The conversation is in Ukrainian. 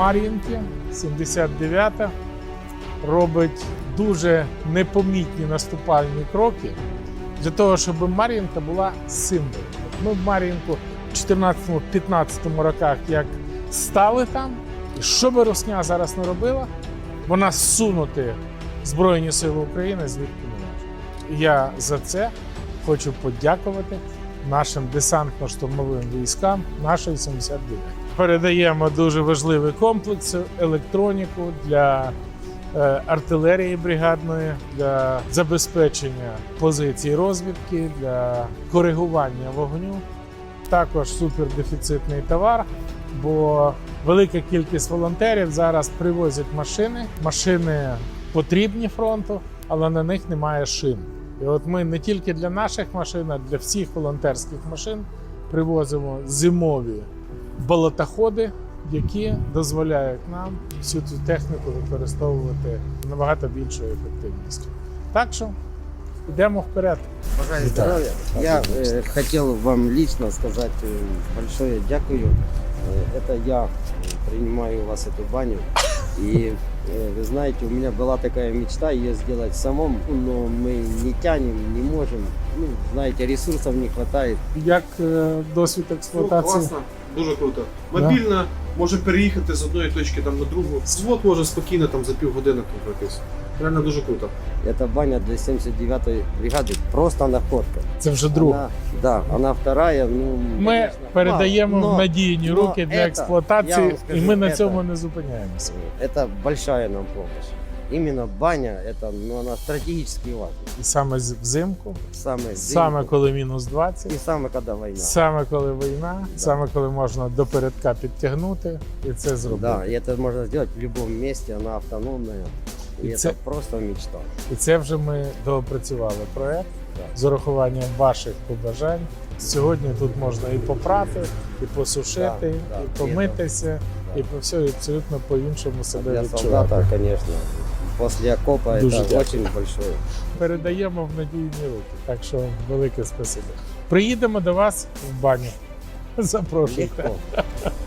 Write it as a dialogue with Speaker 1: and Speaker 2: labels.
Speaker 1: Мар'їнки, 79-та, робить дуже непомітні наступальні кроки для того, щоб Мар'їнка була символом. Ми в Мар'їнку в 14-15 роках як стали там, і що би Русня зараз не робила, вона зсунути Збройні Сили України звідки не може. І я за це хочу подякувати нашим десантно-штурмовим військам нашої 79-ї. Передаємо дуже важливий комплекс, електроніку для артилерії бригадної, для забезпечення позицій розвідки, для коригування вогню. Також супердефіцитний товар, бо велика кількість волонтерів зараз привозять машини. Машини потрібні фронту, але на них немає шин. І от ми не тільки для наших машин, а для всіх волонтерських машин привозимо зимові болотоходи, які дозволяють нам всю цю техніку використовувати набагато більшою ефективністю. Так що йдемо вперед.
Speaker 2: Бажаю здоров'я. Я хотел вам лично сказать большое дякую. Это я принимаю у вас эту баню. И вы знаете, у меня была такая мечта ее сделать самому, но мы не тянем, не можем. Ну, знаете, ресурсов не хватает.
Speaker 1: Як досвід
Speaker 3: Ну,
Speaker 1: експлуатації?
Speaker 3: класно, дуже круто. Мобільна, може переїхати з одної точки там на другу. Взвод може спокійно там за півгодини тут пройтись. Реально дуже круто.
Speaker 2: Эта баня для 79-й бригады просто находка.
Speaker 1: Це вже друга.
Speaker 2: Она, да, она вторая. Ну,
Speaker 1: Ми
Speaker 2: конечно,
Speaker 1: передаємо
Speaker 2: но
Speaker 1: в надійні руки для
Speaker 2: это, я
Speaker 1: експлуатації,
Speaker 2: вам скажу,
Speaker 1: і ми на
Speaker 2: это-
Speaker 1: цьому не зупиняємося.
Speaker 2: Это большая нам помощь. Именно баня, это, ну, она стратегически важна.
Speaker 1: І саме взимку,
Speaker 2: Самое
Speaker 1: саме коли мінус 20,
Speaker 2: и самое когда война.
Speaker 1: саме коли війна, саме коли можна до передка підтягнути і це зробити.
Speaker 2: Да, и это можно сделать в любом месте, она автономная. И
Speaker 1: И
Speaker 2: это
Speaker 1: це-
Speaker 2: просто мечта.
Speaker 1: І це вже ми доопрацювали проект
Speaker 2: Да.
Speaker 1: з урахуванням ваших побажань. Сьогодні тут можна і попрати, і посушити,
Speaker 2: Да,
Speaker 1: і
Speaker 2: да,
Speaker 1: помитися,
Speaker 2: да.
Speaker 1: і по все абсолютно по-іншому себе
Speaker 2: Для
Speaker 1: відчувати.
Speaker 2: солдата, конечно, после окопа
Speaker 1: Дуже
Speaker 2: это
Speaker 1: дякую.
Speaker 2: очень большое.
Speaker 1: Передаємо в надійні руки. Так що велике спасибо. Приїдемо до вас в баню. Запрошуйте.
Speaker 2: Легко.